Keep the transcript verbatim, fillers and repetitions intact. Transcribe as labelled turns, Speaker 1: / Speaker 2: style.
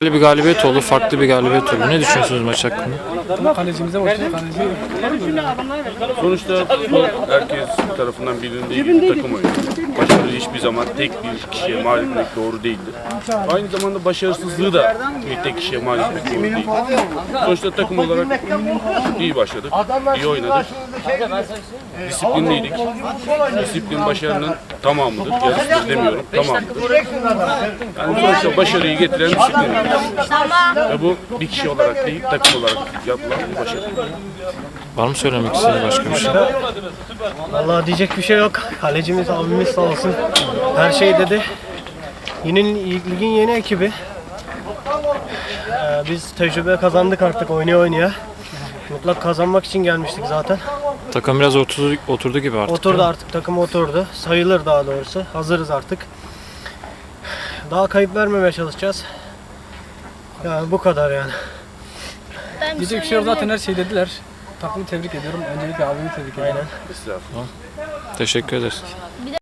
Speaker 1: Böyle bir galibiyet oldu, farklı bir galibiyet oldu. Ne düşünüyorsunuz maç hakkında?
Speaker 2: Kalecimize başlıyor. Kaleci
Speaker 3: Sonuçta futbol herkes tarafından bilindiği gibi takım oyunu. Başarı hiçbir zaman tek bir kişiye mal etmek doğru değildir. Aynı zamanda başarısızlığı da bir tek kişiye mal etmek doğru değil. Sonuçta takım olarak iyi başladık, iyi oynadık. Disiplinliydik. Disiplin başarının tamamıdır. Yarısıdır demiyorum, tamamıdır. Yani sonuçta başarıyı getiren disiplin. Ve bu bir kişi olarak değil, takım olarak yapılan bir başarı.
Speaker 1: Var mı söylemek istediğiniz başka bir şey?
Speaker 2: Vallahi diyecek bir şey yok. Kalecimiz abimiz sağ olsun. Her şey dedi. Yine ligin yeni ekibi. Ee, biz tecrübe kazandık artık oynaya oynaya. Mutlak kazanmak için gelmiştik zaten.
Speaker 1: Takım biraz oturdu, oturdu gibi artık.
Speaker 2: Oturdu artık, takım oturdu. Sayılır daha doğrusu. Hazırız artık. Daha kayıp vermemeye çalışacağız. Yani bu kadar yani.
Speaker 4: Diyecek bir şey yok, zaten her şey dediler. Takımı tebrik ediyorum. Öncelikle abimi tebrik ediyorum.
Speaker 2: Aynen.
Speaker 3: Estağfurullah.
Speaker 1: Teşekkür ederiz.